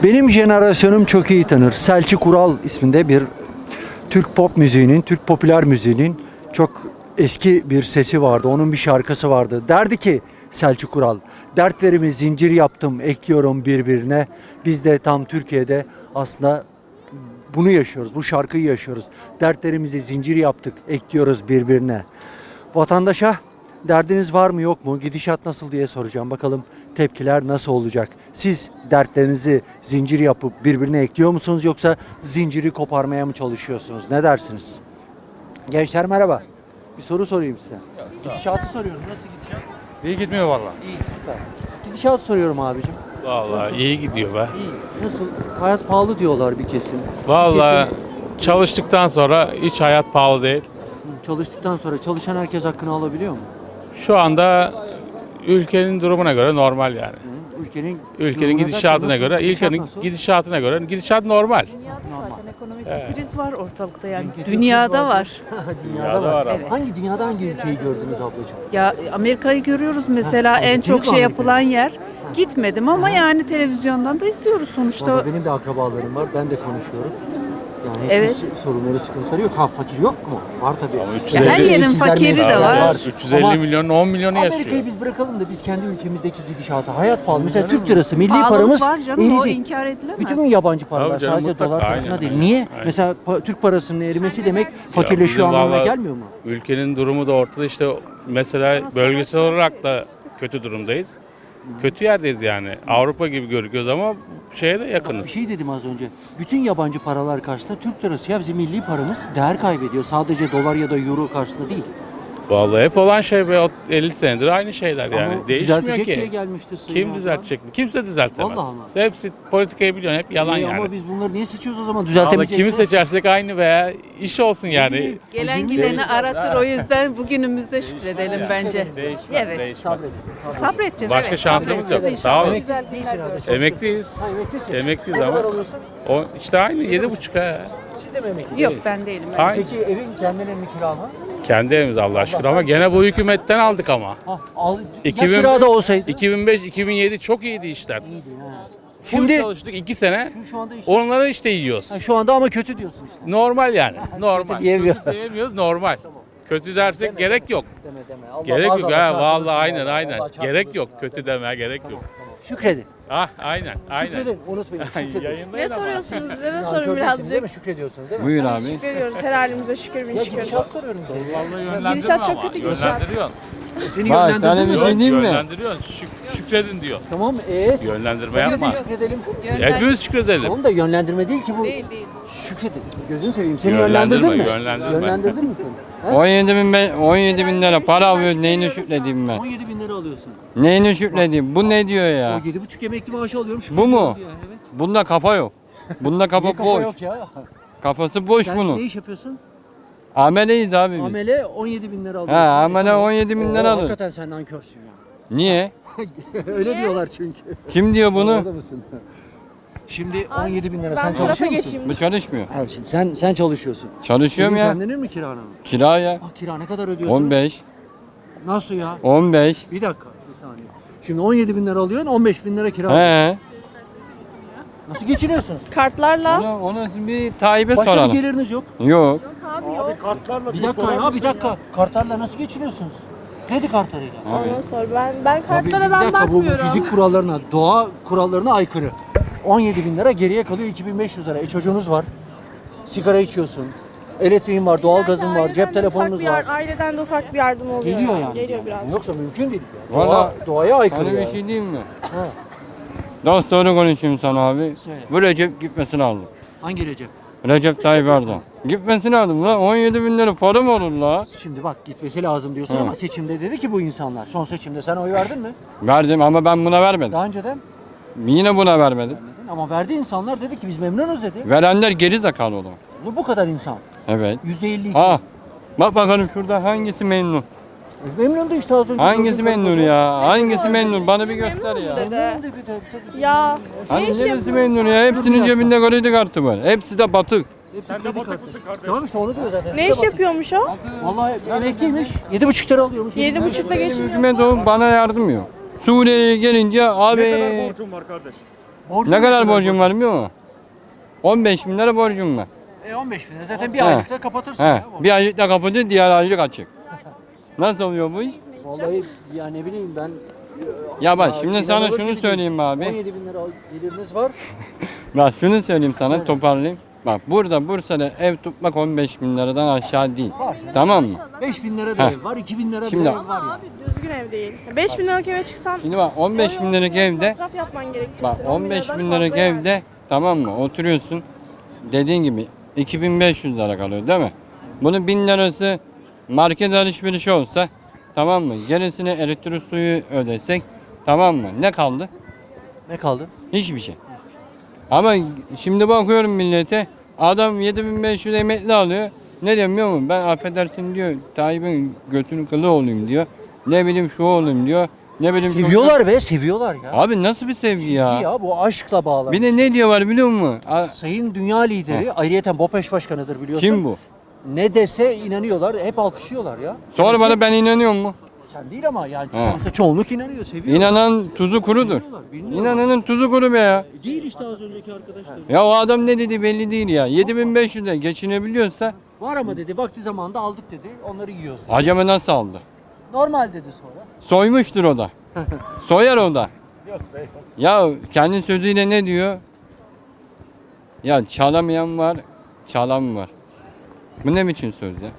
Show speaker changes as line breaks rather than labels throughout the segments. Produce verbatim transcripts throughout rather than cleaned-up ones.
Benim jenerasyonum çok iyi tanır. Selçuk Ural isminde bir Türk pop müziğinin, Türk popüler müziğinin çok eski bir sesi vardı. Onun bir şarkısı vardı. Derdi ki Selçuk Ural, dertlerimi zincir yaptım, ekliyorum birbirine. Biz de tam Türkiye'de aslında bunu yaşıyoruz, bu şarkıyı yaşıyoruz. Dertlerimizi zincir yaptık, ekliyoruz birbirine. Vatandaşa derdiniz var mı yok mu, gidişat nasıl diye soracağım. Bakalım tepkiler nasıl olacak? Siz dertlerinizi zincir yapıp birbirine ekliyor musunuz yoksa zinciri koparmaya mı çalışıyorsunuz? Ne dersiniz? Gençler merhaba. Bir soru sorayım size. Gidişatı soruyorum. Nasıl gidişat?
İyi gitmiyor valla.
İyi, süper. Gidişatı soruyorum abicim.
Valla iyi gidiyor be.
İyi. Nasıl? Hayat pahalı diyorlar bir kesim.
Valla
Bir kesim,
çalıştıktan sonra hiç hayat pahalı değil.
hı, çalıştıktan sonra çalışan herkes hakkını alabiliyor mu?
Şu anda ülkenin durumuna göre normal yani.
Hı, ülkenin
Ülkenin
durumuna
gidişatına
nasıl?
göre,
Gidişat
ülkenin
nasıl?
gidişatına göre gidişat normal.
Dünyada
Normal.
zaten ekonomik
Evet.
bir kriz var ortalıkta yani.
Ülkede
Dünyada
kriz
var.
Dünyada,
Dünyada
var.
var
ama.
Hangi dünyada hangi ülkeyi gördünüz ablacığım?
Ya Amerika'yı görüyoruz mesela
Ha,
en
gittiniz
çok
mi
şey
Amerika'ya?
yapılan yer. Gitmedim ama yani televizyondan da izliyoruz sonuçta.
Vallahi benim de akrabalarım var. Ben de konuşuyorum. Yani hiçbir
Evet.
s- sorunları, sıkıntıları yok. Ha fakir yok mu? Var tabii.
Ama üç yüz
Ya her
elli
yerin
Evsizler,
fakiri de
mevsizler
var.
üç yüz elli
Ama
milyonun on milyonu
Amerika'yı
yaşıyor.
biz bırakalım da biz kendi ülkemizdeki gidişata. Hayat pahalı. Mesela Türk lirası, milli
Pahalılık
paramız
var canım o
eridi.
inkar edilemez.
Bütün yabancı paralar
Tabii canım,
sadece
mutlaka,
dolar tarafına
aynen,
değil.
aynen,
Niye?
aynen.
Mesela pa- Türk parasının erimesi demek fakirleşiyor
bizim
anlamına
vallahi
gelmiyor mu?
Ülkenin durumu da ortada işte mesela bölgesel olarak da kötü durumdayız. Kötü yerdeyiz yani. Avrupa gibi görünüyoruz ama şeye de yakınız.
Bir şey dedim az önce. Bütün yabancı paralar karşısında Türk lirası ya bizim milli paramız değer kaybediyor. Sadece dolar ya da euro karşısında değil.
Vallahi hep olan şey be o elli senedir aynı şeyler yani.
Ama
Değişmiyor
düzeltecek diye
ki.
gelmişti Sayın
Kim
Erdoğan.
düzeltecek mi? Kimse düzeltemez.
Vallahi ama.
Hepsi politikayı biliyorsun hep yalan
İyi
yani.
Ama biz bunları niye seçiyoruz o zaman?
Ama
Düzeltemeyecekse.
kimi seçersek aynı veya iş olsun yani.
Gelen
Yirmi
gideni
yıl-
aratır o yüzden bugünümüze şükredelim bence.
Değişmez,
Evet.
değişmez.
Sabredin. sabredin.
Sabredeceğiz.
Başka
evet,
şansımız
sabredeceğiz
yok.
inşallah.
Sağ olun.
Güzel
Değilsin
günler
herhalde.
göreceğiz.
Emekliyiz.
Ha emeklisin.
Emekliyiz
Ne kadar
ama
alıyorsun?
o işte aynı yedi buçuk ha.
Siz de mi emeklisiniz?
Yok ben değilim. ben.
Aynı.
Peki evin kendinin mi kira mı?
Kendi evimiz Allah şükür ama gene bu hükümetten aldık ama.
Ha, al,
iki
ya
bin
kirada olsaydı?
iki bin beş iki bin yedi çok iyiydi işler.
İyiydi ha.
Şimdi
Şimdi
çalıştık iki sene.
şu, şu anda işte,
Onları işte yiyoruz.
ha, şu anda ama kötü diyorsun işte.
Normal yani. Normal.
diyemiyor.
Kötü diyemiyoruz normal. Kötü dersek
Deme,
gerek
deme.
yok.
Deme deme. Allah
Gerek yok
maazallah
ha
çarpılırsın
vallahi aynen
vallahi.
aynen.
Vallahi
Gerek
çarpılırsın
yok.
ya.
Kötü
Tamam,
deme gerek
tamam,
yok.
tamam. Şükredin.
Ah aynen aynen.
Şükredin. Unutmayın. Şükredin.
Yayındayız
Ne
ama.
soruyorsunuz bize? Ne
Nankör
sorun
değilsiniz
birazcık?
değil mi? Şükrediyorsunuz değil mi?
Buyur
Tabii
abi.
Şükrediyoruz. Her halimize şükür bin
Ya
şükür.
gidişat soruyorum size.
Vallahi
Gidişat
yönlendiriyor
çok
ama.
kötü gidişat.
Yönlendiriyorsun.
Seni
Bak,
yönlendirdin
sana
mi?
bir şey diyeyim mi?
Yönlendiriyorsun. Şük- şükredin diyor.
Tamam. Eee?
Yönlendirme
Sen de
yapma.
şükredelim.
Hepimiz şükredelim.
Tamam da yönlendirme değil ki bu.
Değil değil.
Şükredin. Gözünü seveyim. Seni
Yönlendirme,
yönlendirdin mi?
yönlendirme.
Yönlendirdin mi seni? He?
on yedi bin, be- on yedi bin lira para alıyor. Neyini şükredeyim ben?
on yedi bin lira alıyorsun.
Neyini şükredeyim? Bu ne diyor ya?
O yedi buçuk emekli maaşı alıyorum.
Bu mu?
şükrediyorum diyor, Evet.
Bunda kafa yok. Bunda kafa
Niye kafa
boş.
yok ya?
Kafası boş
Sen
bunun.
ne iş yapıyorsun?
Ameleyiz abi biz.
Amele on yedi bin lira
He
alıyorsun.
amele
Tamam.
on yedi bin
Oo,
lira alır.
Hakikaten sen nankörsün ya.
Niye?
Öyle diyorlar çünkü.
Kim diyor bunu?
Orada mısın? Şimdi on yedi bin lira.
Ben
Sen
bu tarafa
çalışıyor musun?
geçeyim.
Bu çalışmıyor.
Al şimdi sen sen çalışıyorsun.
Çalışıyorum
Senin
ya.
kendinin mi kiranı mı?
Kira ya.
Ah kira ne kadar ödüyorsun?
on beş.
Nasıl ya?
on beş.
Bir dakika. Bir saniye. Şimdi on yedi bin lira alıyorsun, on beş bin lira kira. alıyorsun.
He.
Nasıl geçiniyorsunuz?
Kartlarla.
Onu, onu bir Tayyip'e
Başka bir
soralım.
geliriniz yok.
Yok.
Bir dakika ya, bir dakika. Kartlarla nasıl geçiniyorsunuz? Kredi kartlarıyla.
Ondan sonra ben ben
Tabii, bir
kartlara ben
dakika, bu
bakmıyorum.
fizik kurallarına, doğa kurallarına aykırı. on yedi bin lira geriye kalıyor iki bin beş yüz lira. E çocuğunuz var. Sigara içiyorsun. Elektriğin var, doğalgazın var,
Aileden
cep
de
telefonunuz
ufak bir
var.
yar- Aileden de ufak bir yardım oluyor.
Geliyor yani.
Geliyor biraz.
Yoksa mümkün değil.
Valla-
Doğa, doğaya aykırı.
Sana bir
yani.
şey diyeyim mi?
Ha,
Dost doğru konuşayım sana abi.
Söyle.
Bu Recep gitmesi lazım.
hangi Recep?
Recep Tayyip Erdoğan. Gitmesi lazım lan. on yedi bin lira para mı olur la?
Şimdi bak gitmesi lazım diyorsun
Hı.
ama seçimde dedi ki bu insanlar. Son seçimde sen oy verdin mi?
Verdim ama ben buna vermedim.
Daha önceden
Yine buna vermedim.
vermedin ama verdi insanlar dedi ki biz memnunuz dedi.
Verenler geri zekalı o zaman.
Bu, bu kadar insan.
Evet.
yüzde elli iki.
Ha. Bak bakalım şurada hangisi memnun?
Memnun da işte az önce.
Hangisi
gördüğüm
memnun
karı
ya? Hangisi memnun? Bana bir göster
Memnun
ya.
mu
koca.
dedi?
Memnun dedi tabii tabii.
Ya
Hani
ne iş
neresi
yapıyorsun?
memnun ya? Hepsinin cebinde kredi kartı var. Hepsi de batık.
Hepsi kredi kartı. Tamam işte onu diyor zaten.
Ne
Size
iş
bak.
yapıyormuş o?
Vallahi emekliymiş. Yedi buçuk lira alıyormuş.
Yedi buçukla
Benim
geçiniyor.
hükümet o bana yardım yok. Suriye'ye gelince abi
Ne kadar borcun var kardeş?
Borcun
Ne kadar
borcun
borcum var biliyor musun? on beş bin lira borcum var.
E on beş bin lira zaten bir
He.
aylıkta kapatırsın
He,
ya. borcu.
bir aylık da kapatıyor, diğer aylık açık. Nasıl oluyor bu iş?
Vallahi ya ne bileyim ben.
Ya bak şimdi sana
inanılır
şunu
gibi değil.
söyleyeyim abi.
on yedi bin lira geliriniz var.
Bak şunu söyleyeyim sana,
Söyle.
toparlayayım. Bak burada Bursa'da ev tutmak on beş bin liradan aşağı değil.
Var.
Tamam mı?
beş bin lira da
Heh.
ev var, iki bin lira
Şimdi-
bir ev var ya.
Abi düzgün ev değil. beş bin liralık eve çıksan
Şimdi bak on beş bin liralık evde,
masraf yapman gerekecek.
bak
senin.
on beş
liradan
bin liralık
fazla yani.
evde tamam mı oturuyorsun. Dediğin gibi iki bin beş yüz lira kalıyor değil mi? Bunun bin lirası market alışverişi olsa tamam mı? Gerisini elektrik suyu ödesek tamam mı? Ne kaldı?
Ne kaldı?
Hiçbir şey. Ama şimdi bakıyorum millete, adam yedi bin beş yüz emekli alıyor. Ne diyor biliyor musun? Ben affedersin diyor, Tayyip'in götünün kılı olayım diyor. Ne bileyim şu olayım diyor. Ne bileyim şu-
Seviyorlar be, seviyorlar ya.
Abi nasıl bir sevgi ya?
İyi ya, bu aşkla bağlı.
Bir de ne diyorlar biliyor musun? A-
Sayın Dünya Lideri, ayrıyeten BOPEŞ Başkanı'dır biliyorsun.
Kim bu?
Ne dese inanıyorlar, hep alkışlıyorlar ya.
Sonra
Çünkü-
bana ben inanıyor mu?
Sen değil ama yani
He.
sonuçta çoğunluk inanıyor, seviyor.
İnanan tuzu kurudur.
Seviyorlar, bilmiyorlar.
İnananın tuzu kuru be ya.
Değil işte az önceki arkadaşlar.
Ya o adam ne dedi belli değil ya. yedi bin beş yüz'e geçinebiliyorsa
Var ama dedi, vakti zamanında aldık dedi, onları yiyoruz dedi.
acaba nasıl aldı?
Normal dedi sonra.
Soymuştur o da. Soyar o da.
Yok be yok.
Ya kendi sözüyle ne diyor? Ya çalamayan var, çalan var. Bu ne biçim söz ya?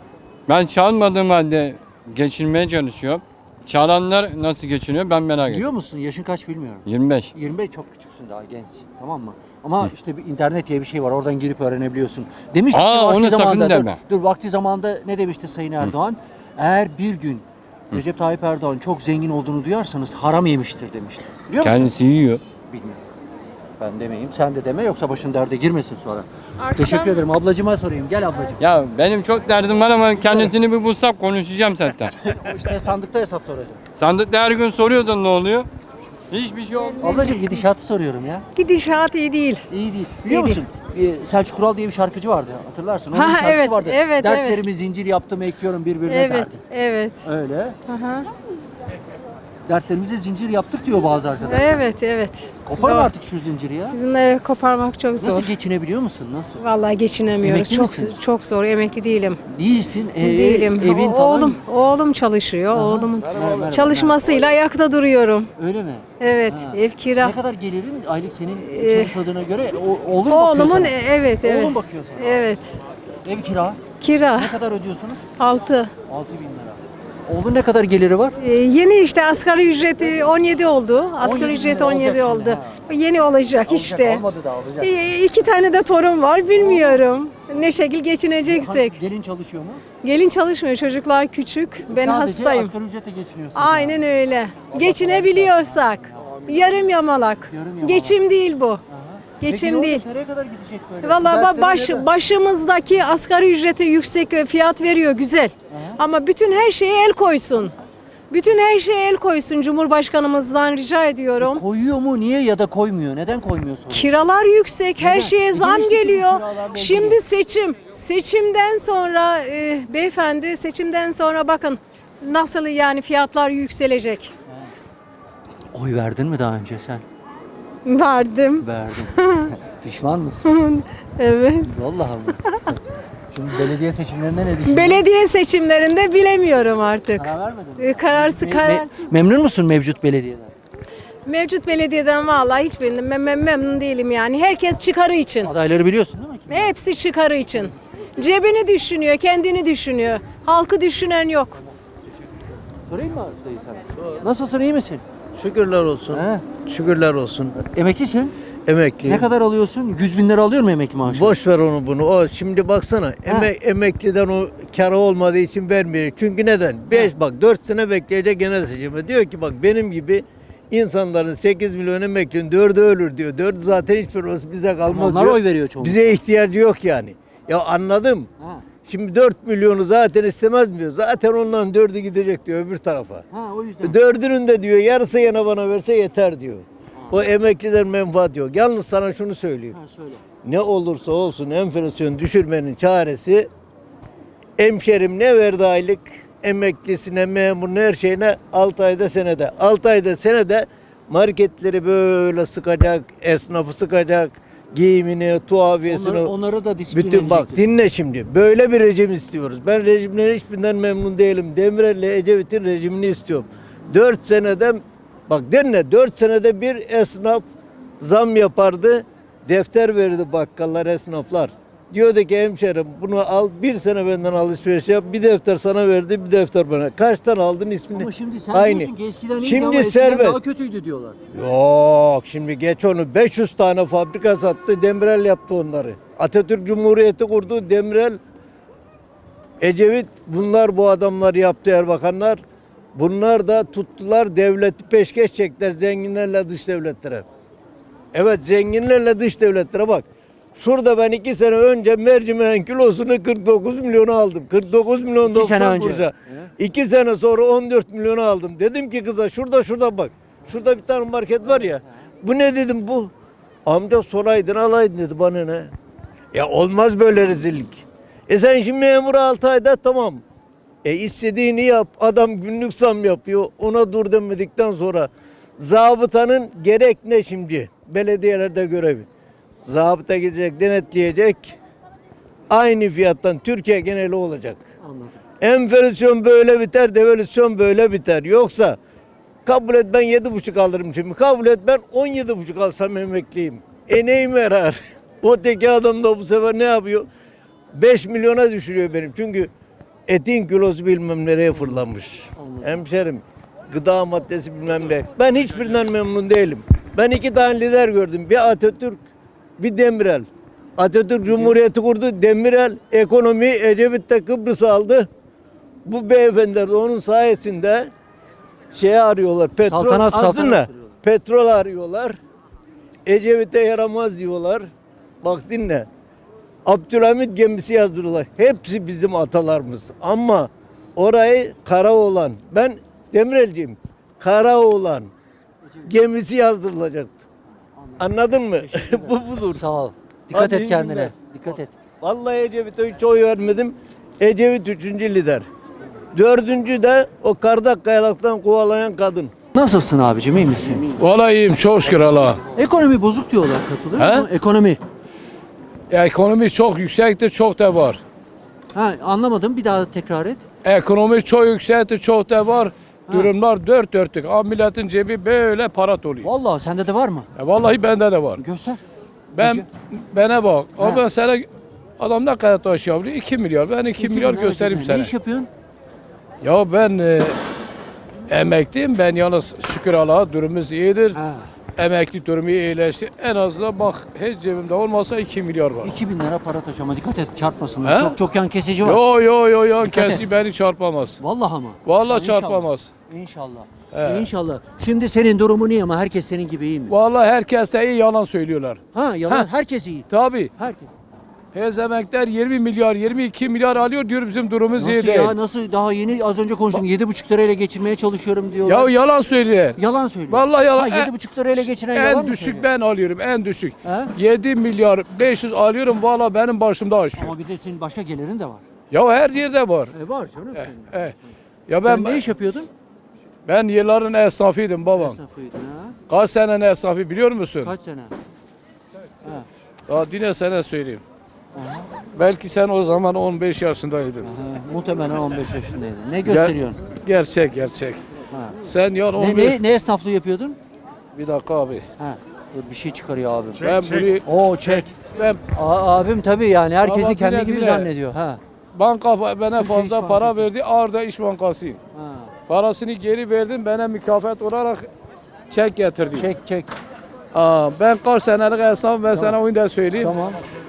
Ben çalmadığım halde geçinmeye çalışıyorum. Çalanlar nasıl geçiniyor ben merak ediyorum.
Biliyor musun, yaşın kaç bilmiyorum.
yirmi beş.
yirmi beş çok küçüksün, daha gençsin, tamam mı? Ama işte bir internet diye bir şey var, oradan girip öğrenebiliyorsun. Demişti
Aa,
ki vakti
onu sakın
zamanında, dur,
deme.
dur vakti zamanında ne demişti Sayın Erdoğan? Eğer bir gün Recep Tayyip Erdoğan çok zengin olduğunu duyarsanız haram yemiştir demişti. Biliyor musun?
Kendisi yiyor.
Bilmiyorum. Ben demeyeyim, sen de deme, yoksa başın derde girmesin sonra.
Artık
Teşekkür
ben-
ederim. Ablacıma sorayım. Gel ablacım.
Ya benim çok derdim var ama kendisini bir bulsam konuşacağım zaten.
İşte sandıkta hesap soracağım.
Sandıkta her gün soruyordun ne oluyor? Hiçbir şey olmuyor.
Ablacım gidişatı soruyorum ya.
Gidişat iyi değil.
İyi değil. Biliyor
İyi
musun? Ee, Selçuk Kural diye bir şarkıcı vardı. Hatırlarsın. Onun
Ha,
bir şarkısı
evet,
vardı.
evet,
Dertlerimi zincir yaptım, ekliyorum birbirine
Evet,
derdi.
evet.
Öyle.
Aha.
Dertlerimize zincir yaptık diyor bazı arkadaşlar.
Evet, evet.
Koparın
Doğru.
artık şu zinciri ya.
Bunları koparmak çok zor.
Nasıl geçinebiliyor musun? Nasıl?
Vallahi geçinemiyoruz.
Emekli
Çok
misin?
çok zor. Emekli değilim.
Değilsin. Ee,
değilim.
Evin
O-
falan.
Oğlum, oğlum çalışıyor.
Aha.
Oğlumun
Merhaba, merhaba.
çalışmasıyla ayakta duruyorum.
Öyle mi?
Evet,
Ha.
ev kira.
Ne kadar gelirin aylık senin
Ee,
çalışmadığına göre o, oğlun bakıyor
Oğlumun
sana.
e- evet, evet.
Oğlun bakıyor sana.
Evet.
Ev kira.
Kira
Ne kadar ödüyorsunuz?
altı.
altı bin lira. Oğlun ne kadar geliri var?
Ee, yeni işte asgari ücreti on yedi oldu.
on yedi
Asgari
bin
ücret
lira
on yedi
olacak
oldu.
şimdi,
Yeni olacak
Alacak,
işte.
Olmadı da alacak.
Ee, iki tane de torun var. Bilmiyorum. Ne şekil geçineceksek.
Hangi- Gelin çalışıyor mu?
Gelin çalışmıyor. Çocuklar küçük. Ben
Sadece
hastayım.
asgari ücretle geçiniyorsun.
Aynen öyle. Geçinebiliyorsak. Yarım yamalak.
Yarım yamalak.
Geçim değil bu.
Aha. Peki
Geçim
ne
değil.
olacak? Nereye kadar gidecek böyle?
Vallahi
Dertleri
ba- baş,
neden?
başımızdaki asgari ücrete yüksek fiyat veriyor güzel.
Aha.
Ama bütün her şeye el koysun. Bütün her şeye el koysun Cumhurbaşkanımızdan rica ediyorum.
Koyuyor mu? Niye ya da koymuyor? Neden koymuyor sonra?
Kiralar yüksek, her
Neden?
şeye
E,
zam
demiştik ki
geliyor.
kiralarla
Şimdi
ilgili.
seçim. Seçimden sonra e, beyefendi seçimden sonra bakın nasıl yani fiyatlar yükselecek.
Oy verdin mi daha önce sen?
Verdim.
Verdin. Pişman mısın?
Evet.
Vallahi mı? Şimdi belediye seçimlerinde ne düşünüyorsun?
Belediye seçimlerinde bilemiyorum artık.
Karar vermedin mi?
E, Kararsız
Me- me-
kararsız.
memnun musun mevcut belediyeden?
Mevcut belediyeden vallahi hiçbirinden mem- mem- memnun değilim yani. Herkes çıkarı için.
Adayları biliyorsun değil mi? Kim?
Hepsi çıkarı için. Cebini düşünüyor, kendini düşünüyor. Halkı düşünen yok.
Sorayım mı dayı sana? Nasılsın, iyi misin?
Şükürler olsun.
He?
Şükürler olsun.
Emeklisin.
Emekli.
Ne kadar alıyorsun? yüz bin lira alıyor mu emekli maaşı?
Boş ver onu bunu. O şimdi baksana emek, emekliden o karı olmadığı için vermiyor. Çünkü neden? beş bak dört sene bekleyecek gene seçimi. Diyor ki bak benim gibi insanların sekiz milyon emeklinin dördü ölür diyor. Dördü zaten hiçbir olsun bize kalmaz
Onlar
diyor.
oy veriyor çoğunlukla.
Bize ihtiyacı yok yani. Ya anladım.
Ha.
Şimdi dört milyonu zaten istemez mi diyor. Zaten ondan dördü gidecek diyor öbür tarafa.
Ha o yüzden.
Dördünün de diyor yarısı yana bana verse yeter diyor. O emekliden menfaat yok. Yalnız sana şunu söyleyeyim.
Ha söyle.
Ne olursa olsun enflasyon düşürmenin çaresi hemşerim ne verdi aylık emeklisine, memuruna, her şeyine altı ayda senede. altı ayda senede Marketleri böyle sıkacak, esnafı sıkacak, giyimini, tuhafiyesini.
Onları, onları da disiplin
Bütün bak
edecektir.
dinle şimdi. Böyle bir rejim istiyoruz. Ben rejimlerin hiçbirinden memnun değilim. Demirel'le Ecevit'in rejimini istiyorum. Dört senede bak dinle dört senede bir esnaf zam yapardı. Defter verirdi bakkallar, esnaflar. Diyordu ki hemşerim bunu al bir sene benden alışveriş yap. Bir defter sana verdi bir defter bana. Kaçtan aldın ismini?
Ama şimdi sen
Aynı.
diyorsun ki eskiden iyiydi
Şimdi
ama eskiden
serbest.
daha kötüydü diyorlar.
Yok şimdi geç onu. beş yüz tane fabrika sattı. Demirel yaptı onları. Atatürk Cumhuriyeti kurdu. Demirel, Ecevit bunlar bu adamlar yaptı Erbakanlar. Bunlar da tuttular devleti peşkeş çektiler zenginlerle dış devletlere. Evet zenginlerle dış devletlere bak. Şurada ben iki sene önce mercimeğin kilosunu kırk dokuz milyona aldım. kırk dokuz milyon
İki sene
doksan
önce.
kuruşa.
He.
İki sene sonra on dört milyona aldım. Dedim ki kıza şurada şurada bak. Şurada bir tane market var ya. Bu ne dedim bu? Amca soraydın alaydın dedi bana ne? Ya olmaz böyle rezillik. E sen şimdi memur altı ayda tamam. E istediğini yap. Adam günlük zam yapıyor. Ona dur demedikten sonra zabıtanın gerek ne şimdi? Belediyelerde görevi. Zabıta gidecek, denetleyecek. Aynı fiyattan Türkiye geneli olacak.
Anladım.
Enflasyon böyle biter, devalüasyon böyle biter. Yoksa kabul et ben yedi buçuk alırım şimdi. Kabul et ben on yedi buçuk alsam emekliyim. E neyime yarar? O teki adam da bu sefer ne yapıyor? beş milyona düşürüyor benim. Çünkü etin kilosu bilmem nereye fırlamış.
Anladım.
Hemşerim gıda maddesi bilmem ne. Ben hiçbirinden memnun değilim. Ben iki tane lider gördüm. Bir Atatürk, bir Demirel. Atatürk Cumhuriyeti kurdu. Demirel ekonomi Ecevit'te Kıbrıs'ı aldı. Bu beyefendiler de onun sayesinde şeye arıyorlar. Petrol
Saltanat,
aslında
saltanat arıyorlar.
petrol arıyorlar. Ecevit'e yaramaz diyorlar. Bak dinle. Abdülhamit gemisi yazdırıyorlar. Hepsi bizim atalarımız. Ama orayı Karaoğlan. Ben Demirelciyim. Karaoğlan gemisi yazdırılacaktı. Anladın mı? Bu budur.
Sağ ol. Dikkat
Hadi
et
iyi
kendine.
günler.
Dikkat et.
Vallahi Ecevit'e hiç oy vermedim. Ecevit üçüncü lider. Dördüncü de o Kardak Kayalık'tan kovalayan kadın.
Nasılsın abicim, iyi misin?
Vallahi iyiyim çok şükür Allah'a.
Ekonomi bozuk diyorlar, katılıyor
He?
musun? Ekonomi.
Ekonomi çok yüksektir, çok da var.
Ha, anlamadım, bir daha tekrar et.
Ekonomi çok yüksektir, çok da var.
Ha.
Durumlar dört dörtlük. Ama milletin cebi böyle para doluyor.
Vallahi sende de var mı?
E vallahi bende de var.
Göster.
Ben
Gece-
bana bak.
Ha.
Ama ben sana adam ne kadar taş yapıyor? iki milyar. Ben iki
İki
milyar
bin,
göstereyim
iki bin.
sana.
Ne iş yapıyorsun?
Ya ben e, emekliyim. Ben yalnız şükür Allah'a durumumuz iyidir.
Ha.
Emekli durumu iyileşti. En azından bak hiç cebimde olmasa iki milyar var.
iki bin lira para taş ama dikkat et çarpmasın.
He?
Çok çok yan kesici var.
Yo yo yo yo
Dikkat
kesi
et.
beni çarpamaz.
Vallahi ama.
Vallahi
İnşallah.
çarpamaz.
İnşallah.
He.
İnşallah. Şimdi senin durumun iyi ama herkes senin gibi iyi mi?
Vallahi herkes de iyi yalan söylüyorlar.
Ha yalan,
Ha.
herkes iyi.
Tabii.
Herkes.
Hez emekler yirmi milyar, yirmi iki milyar alıyor diyor bizim durumumuz iyi
Nasıl
değil.
ya, nasıl daha yeni az önce konuştum. yedi buçuk lirayla geçinmeye çalışıyorum diyorlar.
Ya yalan söylüyor.
Yalan söylüyor.
Vallahi yalan.
Ha, yedi buçuk lirayla geçinen yalan
En
mı
düşük
söylüyor?
ben alıyorum, en düşük.
He?
yedi milyar beş yüz alıyorum valla benim başımda aşıyor.
Ama bir de senin başka gelirin de var.
Ya her yerde var.
E var canım senin.
E, ya ben
Sen ne iş yapıyordun?
ben yılların esnafıydım babam.
Esnafıydın ha.
Kaç senenin esnafı biliyor musun?
Kaç sene? Ha.
Daha dine sana söyleyeyim.
Aha.
Belki sen o zaman on beş yaşındaydın.
Aha. Muhtemelen on beş yaşındaydın. Ne gösteriyorsun?
Gerçek gerçek.
Ha.
Sen ya on
Ne,
beş...
ne, ne esnaflığı yapıyordun?
Bir dakika abi.
Ha. Dur, bir şey çıkarıyor abim.
ben burayı
Oo çek.
ben
A- abim tabii yani herkesi
Ama
kendi
bile
gibi
bile.
zannediyor. Ha.
banka bana
Türkiye
fazla
İş
para
Bankası.
verdi. Arda İş Bankası.
Ha.
Parasını geri verdim. Bana mükafat olarak çek getirdi.
Çek çek.
Aa, ben kaç senelik esnafım ben sana onu da söyleyeyim.
Tamam.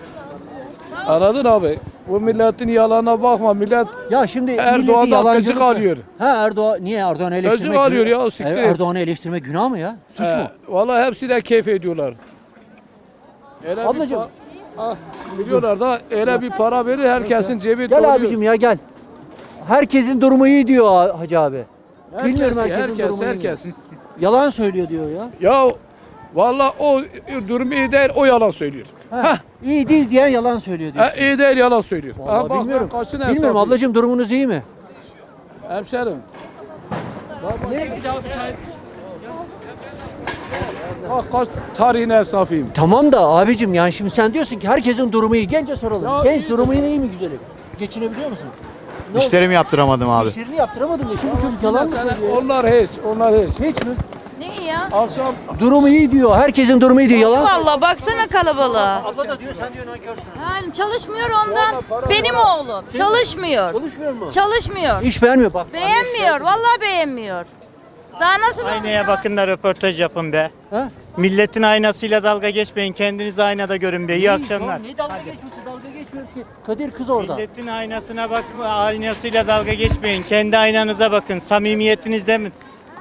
Anladın abi? Bu milletin yalanına bakma. Millet
Ya şimdi
Erdoğan'dan
milleti yalancılıkla...
gıcık alıyor.
Ha Erdoğan niye Erdoğan'ı eleştirmek?
Gıcık alıyor
günah-
ya, siktir
Er-
et.
Erdoğan'ı eleştirmek günah mı ya? Suç
He,
mu?
vallahi hepsi de keyif ediyorlar. Öyle bir
Ablacığım.
pa- ah, biliyorlar da öyle bir para verir herkesin cebi
Gel
doluyor.
abicim ya gel. Herkesin durumu iyi diyor ha- Hacı abi.
Herkes,
Bilmiyorum herkesin
herkes,
durumu iyi mi?
herkes.
Yalan söylüyor diyor ya.
Ya vallahi o durum iyi değil, o yalan söylüyor.
Ha, iyi değil diyen yalan söylüyor diyor.
Ha, iyi değil, yalan söylüyor.
Vallahi
Ha, bak,
bilmiyorum.
ben kaçın
Bilmiyorum
hesabıyım.
ablacığım durumunuz iyi mi?
Hemşerim.
Ne?
Bak kaç tarihine esnafıyım.
Tamam da abicim yani şimdi sen diyorsun ki herkesin durumu iyi. Gence soralım.
Ya
Genç
iyi
durumu iyi mi güzelim? Geçinebiliyor musun? Ne oldu?
İşlerimi yaptıramadım abi.
İşlerini yaptıramadım da şimdi bu çocuk yalan mı
Mesela
söylüyor?
onlar hiç, onlar hiç.
Hiç mi?
Ne ya?
Akşam
Durumu iyi diyor. Herkesin durumu iyi diyor. Yalan.
Vallahi baksana kalabalığa.
Abla da diyor sen diyor nankörsün.
Yani çalışmıyor ondan. Benim oğlum çalışmıyor.
Çalışmıyor mu?
Çalışmıyor.
İş beğenmiyor bak.
Beğenmiyor. Vallahi beğenmiyor. Daha nasıl
Aynaya bakın da röportaj yapın be.
Ha?
Milletin aynasıyla dalga geçmeyin. Kendinizi aynada görün be. İyi akşamlar.
Ne dalga geçmesi? Dalga geçmiyoruz ki. Kadir kız orada.
Milletin aynasına bakma, aynasıyla dalga geçmeyin. Kendi aynanıza bakın. Samimiyetinizde mi?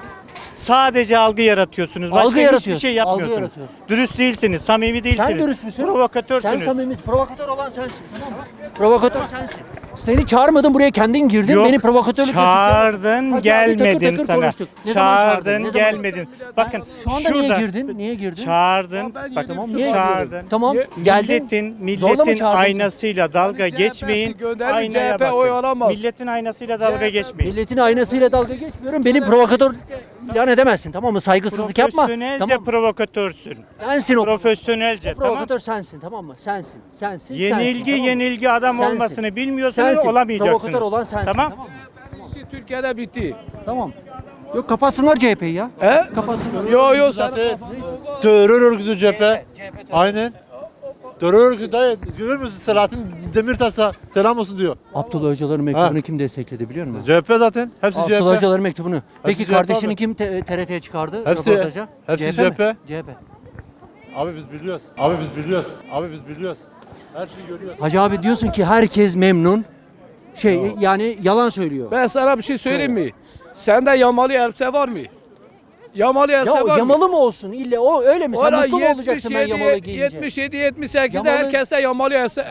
Sadece algı yaratıyorsunuz. Başka
Algı
hiçbir
yaratıyorsun,
şey
algı
yapmıyorsunuz.
yaratıyorsun.
Dürüst değilsiniz, samimi değilsiniz.
Sen dürüst müsün?
Provokatörsünüz.
Sen samimisin. Provokatör olan sensin. Tamam mı? Provokatör sensin. Seni çağırmadım buraya kendin girdin.
Yok,
Beni provokatörlük
çağırdın,
Hadi abi,
gelmedin
takır takır
sana.
konuştuk. Ne zaman çağırdın?
Çağırdın,
Ne zaman?
gelmedin. Bakın
Şu anda niye
şurada
girdin? Niye girdin?
Çağırdın.
Ya ben
Bak,
yedi
Tamam
buçuk
niye
çağırdın.
girdin? Tamam
Ye-
geldin.
Milletin,
Zorla mı
milletin
çağırdın sen?
aynasıyla dalga
C H P'si
geçmeyin.
gönderin,
Aynaya
C H P oy
bakın.
alamaz.
Milletin aynasıyla dalga
C H P
geçmeyin.
Milletin aynasıyla dalga geçmiyorum. Beni provokatör ilan edemezsin tamam mı? Saygısızlık yapma.
Profesyonelce
Tamam mı?
provokatörsün.
Sensin o.
Profesyonelce, tamam.
Provokatör sensin tamam mı? Sensin. Sensin.
Yenilgi,
sensin, tamam mı?
yenilgi adam
Sensin.
olmasını bilmiyorsanız
Sensin.
olamayacaksınız.
Provokatör olan sensin.
Tamam.
Tamam mı?
İşi Türkiye'de bitti.
Tamam. Yok kapatsınlar C H P'yi ya.
He?
Kapatsınlar.
Yo yo sen
Terör örgütü cephe. Aynen. Terör örgütü dayı görür müsün Selahattin Demirtaş'a selam olsun diyor.
Abdullah Öcalan'ın mektubunu
Ha.
kim destekledi biliyor musun?
C H P zaten. Hepsi C H
Abdullah
P.
Öcalan'ın mektubunu. Peki
C H P
kardeşini
abi.
kim te- T R T'ye çıkardı?
Hepsi-
röportaja?
hepsi
mi?
C H P.
C H P.
Abi biz biliyoruz. Abi biz biliyoruz. Abi biz biliyoruz. Her şeyi görüyoruz.
Hacı abi diyorsun ki herkes memnun. Şey yani yalan söylüyor.
ben sana bir şey söyleyeyim mi? Sende yamalı elbise var mı? Yamalı elbise
Ya o
var mı?
yamalı mı olsun? İlle o öyle mi? Sen
Ola
mutlu mu olacaksın ben yamalı giyince?
yetmiş yedi yetmiş sekizde
Yamalı-
herkeste yamalı elbise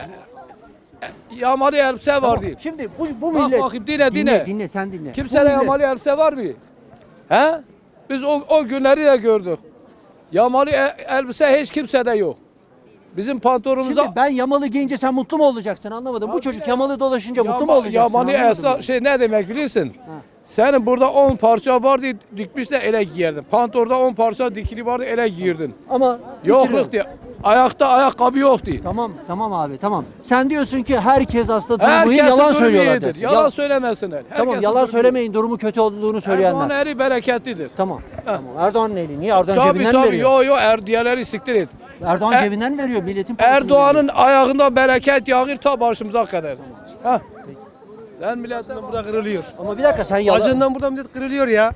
yamalı elbise
Tamam,
var diye.
şimdi bu, bu
Bak
millet...
bakayım, dinle, dinle.
Dinle sen dinle. Bu
Kimsede
millet-
yamalı elbise var mı? He? Biz o, o günleri de gördük. Yamalı e- elbise hiç kimsede yok. Bizim pantolonumuza
Şimdi ben yamalı giyince sen mutlu mu olacaksın anlamadım. Bu çocuk yamalı dolaşınca mutlu mu
Yama-
olacaksın
Yamalı
anlamadım
elbise
ben.
şey ne demek bilirsin? Senin burada on parça vardı dikmiş de ele giyerdin. Pantolonda on parça dikili vardı ele giyirdin.
Ama
Yokluk
bitiriyorum.
diye. Ayakta ayakkabı yoktu.
Tamam tamam abi tamam. Sen diyorsun ki herkes aslında durumu iyi,
Herkesin
yalan
durumu
söylüyorlar.
iyidir.
dersin.
Yalan
Ya-
söylemesinler.
Tamam
Herkesin
yalan
durumu
söylemeyin durumu kötü olduğunu
iyidir.
söyleyenler.
Erdoğan eri bereketlidir.
Tamam. Tamam. Erdoğan'ın eli. Niye? Erdoğan
Tabii
cebinden
tabii.
veriyor.
Yo yo er, diğerleri siktir et.
Erdoğan
Er-
cebinden veriyor. Milletin parasını
Erdoğan'ın
veriyor.
ayağında bereket yağır ta başımıza kadar. Ha. Sen milletten burada kırılıyor.
Ama bir dakika sen yalan...
Acından burada millet kırılıyor ya.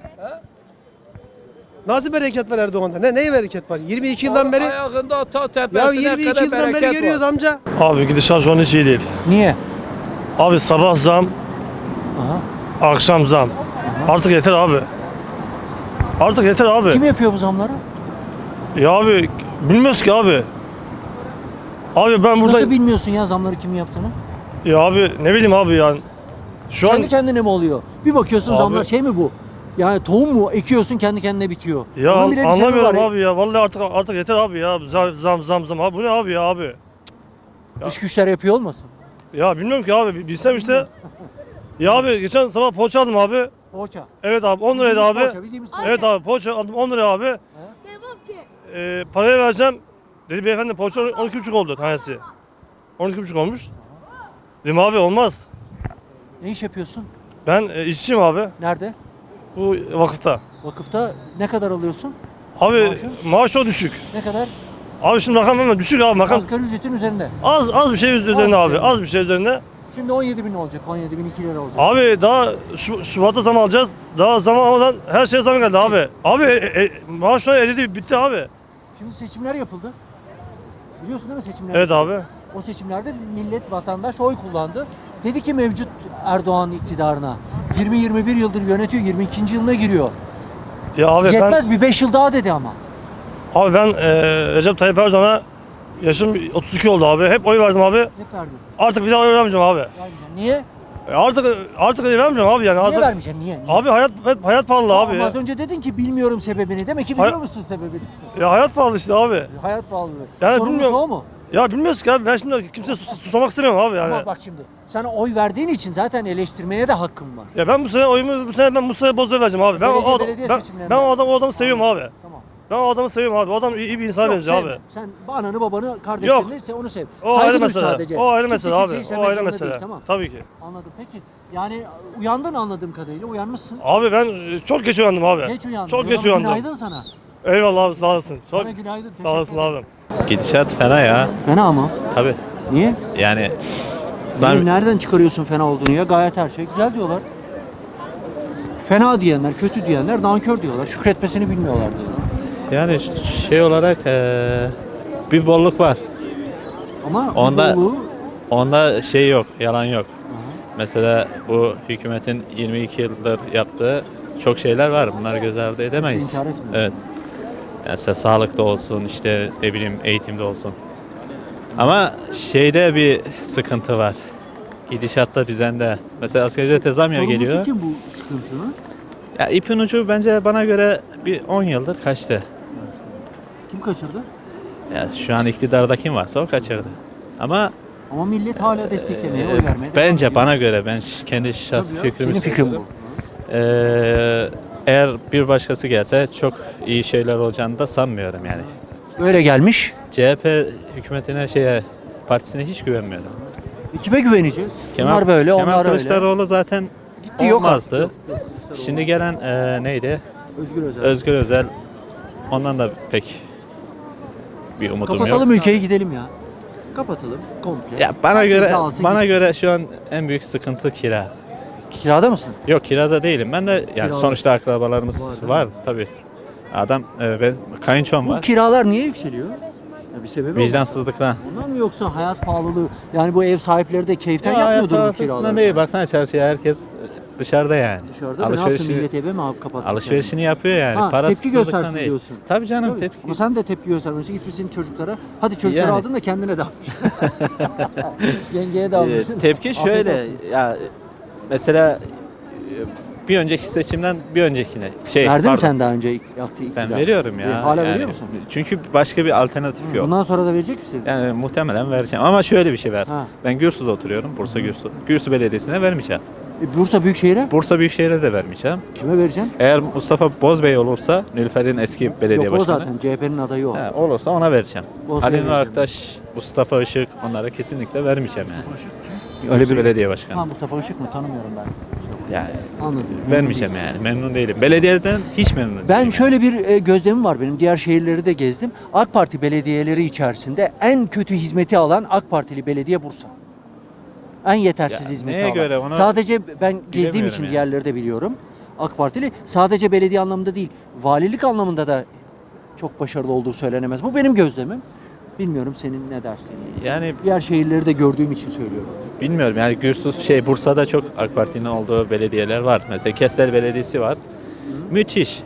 Nasıl bereket var Erdoğan'da? Ne neye bereket var? yirmi iki yıldan beri
Ayağında ta
ya
tepesine
yirmi iki
kadar
yıldan beri
bereket
görüyoruz
var.
amca.
Abi gidişat şu an hiç iyi değil.
Niye?
Abi sabah zam,
Aha.
akşam zam. Artık yeter abi. Artık yeter abi.
Kim yapıyor bu zamları?
Ya abi bilmiyoruz ki abi. Abi ben burada...
Nasıl bilmiyorsun ya zamları kimin yaptığını?
Ya abi ne bileyim abi yani. Şu
Kendi
an...
kendine mi oluyor? Bir bakıyorsun
Abi-
zamlar şey mi bu? Yani tohum mu ekiyorsun kendi kendine bitiyor.
Ya
Bunun bile bir sebebi
anlamıyorum
var ya.
abi ya. Vallahi artık artık yeter abi ya. Zam zam zam. zam. Abi bu ne abi ya abi?
Dış güçler yapıyor olmasın?
Ya bilmiyorum ki abi. Bilsem işte. Ya abi geçen sabah poğaça aldım abi.
Poğaça.
Evet abi on liraydı
Bildiğimiz
abi.
poğaça, bildiğimiz poğaça.
Evet abi poğaça aldım on liraya abi. Ee, parayı vereceğim. Dedi beyefendi poğaça on iki buçuk oldu tanesi. on iki buçuk olmuş. Dedim abi olmaz.
Ne iş yapıyorsun?
Ben e, işçiyim abi.
Nerede?
Bu vakıfta.
Vakıfta ne kadar alıyorsun?
Abi
Maaşın?
maaş çok düşük.
Ne kadar?
Abi şimdi rakam hemen düşük abi rakam.
Asgari ücretin üzerinde.
Az az bir şey üzerine abi.
üzerinde.
Az bir şey üzerine.
Şimdi on yedi bin olacak. on yedi bin iki lira olacak.
Abi daha şu, Şubat'ta zam alacağız. Daha zam almadan her şeye zam geldi abi. Abi e, e, maaşlar eridi bitti abi.
Şimdi seçimler yapıldı. Biliyorsun değil mi seçimler?
Evet abi.
O seçimlerde millet, vatandaş oy kullandı. Dedi ki mevcut Erdoğan iktidarına yirmi yirmi bir yıldır yönetiyor, yirmi ikinci yılına giriyor.
Ya abi
Yetmez bir beş yıl daha dedi ama.
ben abi ben e, Recep Tayyip Erdoğan'a yaşım otuz iki oldu abi. Hep oy verdim abi.
Hep verdin.
Artık bir daha oy vermeyeceğim abi.
Vermeyeceksin. Niye?
E, artık artık oy vermeyeceğim abi yani.
Niye
Artık-
vermeyeceksin? Niye? Niye?
Abi hayat hep hayat pahalı abi.
Ama
Ya.
az önce dedin ki bilmiyorum sebebini. Demek ki biliyor
Hay-
musun sebebini?
ya hayat pahalı işte abi.
Hayat pahalılığı.
Yani
Sorumlusu
bilmiyorum.
o mu?
Ya bilmiyoruz ki abi. Ben şimdi kimse sus- susamak istemiyorum abi yani.
Ama bak şimdi sana oy verdiğin için zaten eleştirmeye de hakkın var.
Ya ben bu sene oyumu bu sene ben Mustafa'ya Bozdoğan'a vereceğim abi. Ben o,
Belediye-
adam,
belediye
ben,
seçimlerinde.
ben o adam o adamı seviyorum abi.
Tamam.
Ben o adamı seviyorum abi. O adam iyi, iyi bir insan
Yok,
benziyor
sevme.
abi.
Sen ananı babanı kardeşlerini se- onu sev.
O
Saygı
ayrı
duy
mesele.
sadece.
O ayrı
Kimse
mesele abi.
kimseyi
O
sevmek
ayrı
zorunda
mesele.
değil, tamam.
Tabii ki.
Anladım. Peki yani uyandın anladığım kadarıyla uyanmışsın.
Abi ben e, çok geç uyandım abi.
Geç uyandın.
Çok
O
geç
zaman
uyandım.
Günaydın sana.
Eyvallah abi sağ olasın. Çok
Sana günaydın.
sağ olasın
teşekkür ederim.
abi.
Gidişat fena ya.
Fena mı?
Tabii.
Niye?
Yani
Benim nereden çıkarıyorsun fena olduğunu ya? Gayet her şey güzel diyorlar. Fena diyenler, kötü diyenler nankör diyorlar. Şükretmesini bilmiyorlar diyorlar.
yani şey olarak eee, bir bolluk var.
Ama bu
Onda-
bolluğu
Onda şey yok, yalan yok. Mesela bu hükümetin yirmi iki yıldır yaptığı çok şeyler var. Bunları göz ardı edemeyiz.
inkar etmiyor.
Evet. Yani mesela sağlıkta olsun, işte ne bileyim eğitimde olsun. Ama şeyde bir sıkıntı var. Gidişatta, düzende. Mesela asgari ücrete zam ya
sorumlusu
geliyor.
kim bu sıkıntının?
Ya ipin ucu bence bana göre bir on yıldır kaçtı.
Kim kaçırdı?
Ya şu an iktidarda kim varsa o kaçırdı. Ama
Ama millet hala desteklemeye, oy vermeye devam
bence
ediyor.
bana göre, ben ş- kendi şahsi
Tabii ya,
fikrimi
senin fikrin bu.
söylüyorum. Ee, eğer bir başkası gelse çok iyi şeyler olacağını da sanmıyorum yani.
Böyle gelmiş.
C H P hükümetine, şeye, partisine hiç güvenmiyorum.
E, Kime güveneceğiz?
Kemal,
onlar böyle,
Kemal
onlar öyle.
Kılıçdaroğlu zaten
Gitti yok artık.
olmazdı.
Yok, yok, Kılıçdaroğlu.
Şimdi gelen e, neydi?
Özgür Özel.
Özgür Özel. Ondan da pek bir umudum
Kapatalım
yok.
ülkeyi gidelim ya. Kapatalım komple.
Ya bana
Herkes
göre
dağılsın,
bana
gitsin.
göre şu an en büyük sıkıntı kira.
Kirada mısın?
Yok kirada değilim. Ben de yani
Kirada.
sonuçta akrabalarımız
Var,
var,
değil mi?
tabii. Adam e, ben kayınçom
Bu
var.
kiralar niye yükseliyor? Ya bir sebebi olmaz.
Vicdansızlıktan.
Ondan mı yoksa hayat pahalılığı? Yani bu ev sahipleri de keyiften
Ya,
yapmıyordur bu
hayat
kiraları.
pahalılığından değil. Baksana çarşıya herkes dışarıda yani.
Dışarıda da ne yapsın
Alışverişi-
millet eve mi abi kapatsın?
Alışverişini yapıyor yani.
Ha, tepki
Parasızlıktan
göstersin
değil.
diyorsun.
Tabii canım
Tabii.
tepki.
Ama sen de tepki göstermişsin. Gitmişsin çocuklara. Hadi çocukları
Yani.
aldın da kendine de almışsın. Yengeye de almışsın.
Ee, tepki
Afiyet
şöyle
olsun.
ya mesela e, bir önceki seçimden bir öncekine şey
Verdin mi
pardon,
sen daha önce ilk- yaptığı iktidar?
ben veriyorum ya.
E, Hala
Yani
veriyor musun?
Çünkü başka bir alternatif yok.
Bundan sonra da verecek misin?
Yani muhtemelen vereceğim ama şöyle bir şey ver.
Ha.
Ben Gürsü'de oturuyorum. Bursa Gürsü. Gürsü Belediyesi'ne vermeyeceğim.
E, Bursa Büyükşehir'e
Bursa Büyükşehir'e de vermeyeceğim.
kime vereceksin?
Eğer Mustafa Bozbey olursa, Nilüfer'in eski belediye
Yok o
başkanı.
zaten C H P'nin adayı o.
He, olursa ona vereceğim.
Bozbey'e
Ali Nur
vereceğim.
Aktaş, Mustafa Işık onlara kesinlikle vermeyeceğim yani.
Öyle
Gürsü
bir
belediye başkanı.
Ha Mustafa Işık mı? Tanımıyorum ben.
Yani
Anladım.
vermeyeceğim yani. Memnun değilim. Belediyeden hiç memnun değilim.
Ben şöyle bir e, gözlemim var benim. Diğer şehirleri de gezdim. AK Parti belediyeleri içerisinde en kötü hizmeti alan AK Partili belediye Bursa. En yetersiz
Ya,
hizmeti
neye
alan.
göre onu
Sadece ben gezdiğim
bilemiyorum
için
yani.
diğerleri de biliyorum. AK Partili sadece belediye anlamında değil, valilik anlamında da çok başarılı olduğu söylenemez. Bu benim gözlemim. Bilmiyorum senin ne dersin?
Yani
Diğer şehirleri de gördüğüm için söylüyorum.
bilmiyorum yani Gürsü şey Bursa'da çok AK Parti'nin olduğu belediyeler var. Mesela Kestel Belediyesi var. Müthiş.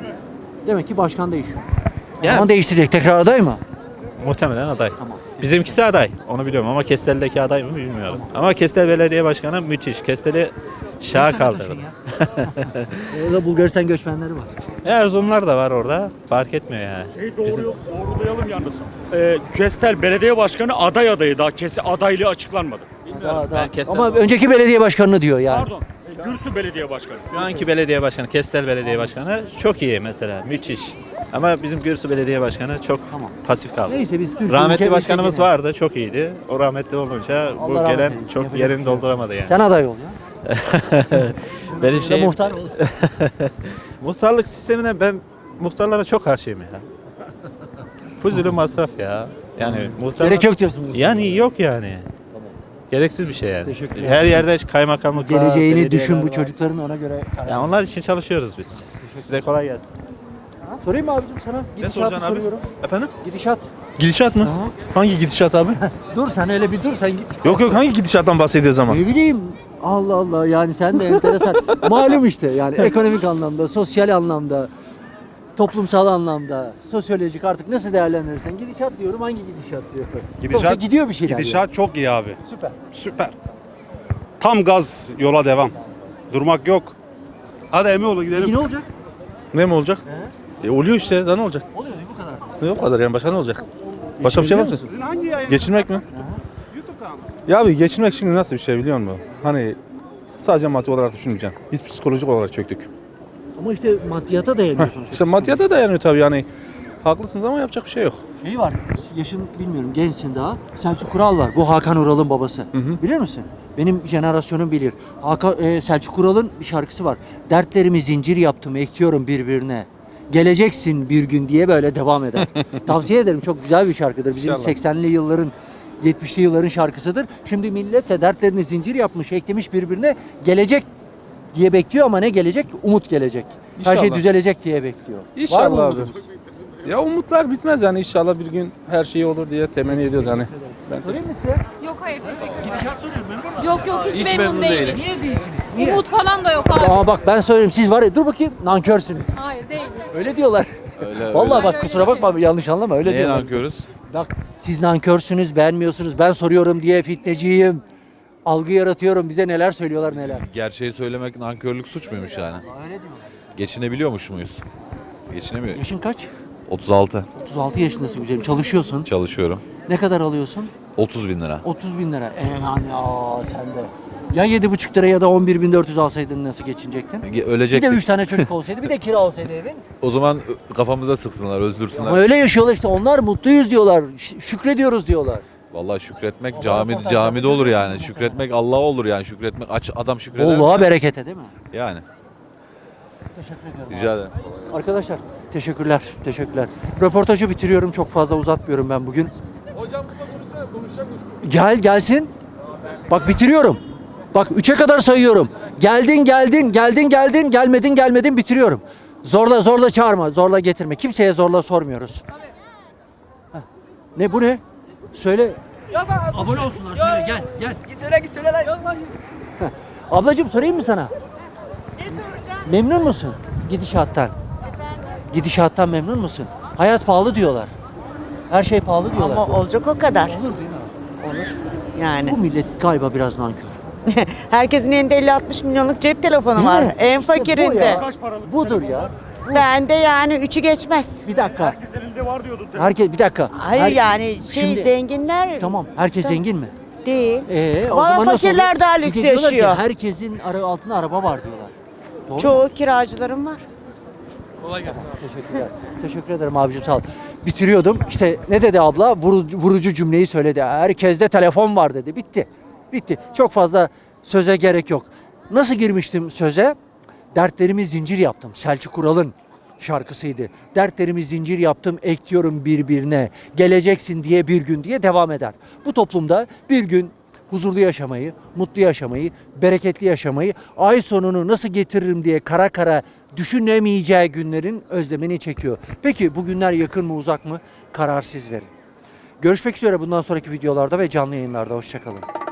Demek ki başkan değişiyor.
Ya-
Ama değiştirecek. Tekrar aday mı?
Muhtemelen aday.
Tamam.
Bizimkisi aday. Onu biliyorum ama Kestel'deki aday mı bilmiyorum. Ama Kestel Belediye Başkanı müthiş. Kestel'i şaha
Kaç tane
kaldırdı.
taşın ya? Orada Bulgaristan göçmenleri var.
Erzurumlar da var orada. Fark etmiyor yani.
Şey doğru, doğrulayalım yalnız. Ee, Kestel Belediye Başkanı aday adayı daha kesi adaylığı açıklanmadı.
Daha, daha.
Ben Kestel-
Ama önceki belediye başkanını diyor yani.
Pardon. e, Gürsü Belediye Başkanı.
Şu anki belediye başkanı, Kestel Belediye Başkanı çok iyi mesela. Müthiş. Ama bizim Gürsü Belediye Başkanı çok
Tamam.
pasif kaldı.
Neyse biz Türkiye
Rahmetli
ülkemizde
başkanımız
gene-
vardı. Çok iyiydi. O rahmetli olunca bu
Allah rahmet
gelen
eylesin,
çok
yapacak bir
yerini
şey yok.
dolduramadı yani.
Sen aday ol ya.
Benim
Sen
şeyim,
muhtar ol.
muhtarlık sistemine ben muhtarlara çok karşıyım ya. Fuzuli masraf ya. Yani muhtar
Gerek yok diyorsun.
Yani yok yani. Gereksiz bir şey yani.
Teşekkür ederim.
Her yerde kaymakamlık var,
Geleceğini
belediyeler
düşün bu
var.
çocukların ona göre karar.
Yani onlar için çalışıyoruz biz. Size kolay gelsin.
Ha, sorayım mı abicim sana? Gidişatı
soracaksın abi?
soruyorum.
Efendim?
Gidişat.
Gidişat mı?
Aha.
Hangi gidişat abi?
Dur sen öyle bir dur sen git.
yok yok hangi gidişattan bahsediyoruz ama?
Ne bileyim. Allah Allah yani sen de enteresan. Malum işte yani ekonomik anlamda, sosyal anlamda, toplumsal anlamda, sosyolojik artık nasıl değerlendirirsen gidişat diyorum hangi gidişat diyor. Sonuçta gidiyor bir şeyler.
Gidişat çok iyi abi.
yani. Süper.
Süper. Tam gaz yola devam. Durmak yok. Hadi Emioğlu
Peki
gidelim.
ne olacak?
Ne mi olacak?
He?
E, oluyor işte daha ne olacak?
Oluyor değil bu kadar.
Ne o kadar yani başka ne olacak? Başka bir şey var mı?
Geçinebiliyor musun?
Hangi yayın?
Geçinmek mi? Ya abi geçinmek şimdi nasıl bir şey biliyor musun? Hani sadece maddi olarak düşünmeyeceksin. Biz psikolojik olarak çöktük.
Ama işte maddiyata dayanıyor sonuçta.
İşte maddiyata dayanıyor tabii yani.
Haklısınız ama yapacak bir şey yok.
Şey var, yaşın bilmiyorum, gençsin daha. Selçuk Kural var. Bu Hakan Ural'ın babası.
hı.
Bilir misin? Benim jenerasyonum bilir. Hakan, e, Selçuk Kural'ın bir şarkısı var. Dertlerimi zincir yaptım, ekliyorum birbirine. Geleceksin bir gün diye böyle devam eder. Tavsiye ederim. Çok güzel bir şarkıdır. Bizim
İnşallah.
seksenli yılların, yetmişli yılların şarkısıdır. Şimdi millet de dertlerini zincir yapmış, eklemiş birbirine. Gelecek diye bekliyor ama ne gelecek? Umut gelecek. Her şey
İnşallah.
düzelecek diye bekliyor. Var mı
İnşallah abi.
umudunuz?
Ya umutlar bitmez yani inşallah bir gün her şey olur diye temenni ediyoruz yani. Ben
Sorayım mı size?
Yok hayır teşekkür ederim.
Gidişat soruyorum, memnun musun?
Yok yok hiç, memnun, değiliz.
Niye değilsiniz? Niye?
Umut falan da yok abi.
Ama bak ben söyleyeyim, siz var ya, dur bakayım, nankörsünüz siz.
Hayır değiliz.
Öyle diyorlar.
Öyle,
Vallahi bak
öyle
kusura
bir şey
bakma, yanlış anlama, öyle
Neye
diyorlar.
nankörüz?
Bak siz nankörsünüz, beğenmiyorsunuz. Ben soruyorum diye fitneciyim. Algı yaratıyorum. Bize neler söylüyorlar neler.
Gerçeği söylemek nankörlük suç muymuş yani?
Öyle diyorlar.
Geçinebiliyormuş muyuz? Geçinemiyor.
Yaşın kaç?
otuz altı.
otuz altı yaşındasın güzelim. Çalışıyorsun.
Çalışıyorum.
Ne kadar alıyorsun?
otuz bin lira.
otuz bin lira. E yani aa sen de. Ya yedi buçuk lira ya da on bir bin dört yüz alsaydın nasıl geçinecektin?
Ge-
Bir de
Ölecektik.
üç tane çocuk olsaydı, bir de kira olsaydı evin.
O zaman ö- kafamıza sıksınlar, öldürsünler.
Ama öyle yaşıyorlar işte. Onlar mutluyuz diyorlar. ş- Şükrediyoruz diyorlar.
Vallahi şükretmek
Ama
cami
röportajlarda
camide olur yani.
görüyorsun
Şükretmek Allah'a olur yani. Şükretmek aç adam şükreder.
Bolluğa
mi?
berekete değil mi?
Yani.
Teşekkür ediyorum.
Rica
abi.
ederim.
Arkadaşlar teşekkürler, teşekkürler. Röportajı bitiriyorum, çok fazla uzatmıyorum ben bugün.
Hocam burada konuşsana konuşacak mısın?
Gel gelsin. Bak bitiriyorum. Bak üçe kadar sayıyorum. Geldin geldin, geldin geldin, gelmedin gelmedin, bitiriyorum. Zorla zorla çağırma, zorla getirme. Kimseye zorla sormuyoruz. Heh. Ne bu ne? Söyle. Abone olsunlar, söyle gel gel.
Git söyle git söyle lan.
Ablacığım sorayım mı sana? Memnun musun gidişattan? Gidişattan memnun musun? Hayat pahalı diyorlar. Her şey pahalı diyorlar.
Ama olacak o kadar.
Olur değil mi?
Olur. Yani.
Bu millet galiba biraz nankör.
Herkesin elinde elli altmış milyonluk cep telefonu
Değil
var.
mi?
En
İşte bu
fakirinde.
ya. Budur ya.
Bende yani üçü geçmez.
Bir dakika.
Herkes elinde var diyordu.
Herkes bir dakika.
Hayır
Her-
yani şey
Şimdi-
zenginler
Tamam. Herkes
Tamam.
zengin mi?
değil.
Ee, o
Valla
zaman nasıl
fakirler
oluyor?
daha
Bir de
lüks
diyorlar ki
yaşıyor.
herkesin ara, altında araba var diyorlar. Doğru mu?
Çoğu kiracılarım var.
Kolay gelsin.
Teşekkürler. Teşekkür ederim abicim, sağ ol. Bitiriyordum. İşte ne dedi abla? Vurucu, vurucu cümleyi söyledi. Herkeste telefon var dedi. Bitti. Bitti. Çok fazla söze gerek yok. Nasıl girmiştim söze? Dertlerimi zincir yaptım. Selçuk Ural'ın şarkısıydı. Dertlerimi zincir yaptım, ekliyorum birbirine. Geleceksin diye bir gün diye devam eder. Bu toplumda bir gün huzurlu yaşamayı, mutlu yaşamayı, bereketli yaşamayı, ay sonunu nasıl getiririm diye kara kara düşünemeyeceği günlerin özlemini çekiyor. Peki bu günler yakın mı uzak mı? Karar siz verin. Görüşmek üzere bundan sonraki videolarda ve canlı yayınlarda. Hoşçakalın.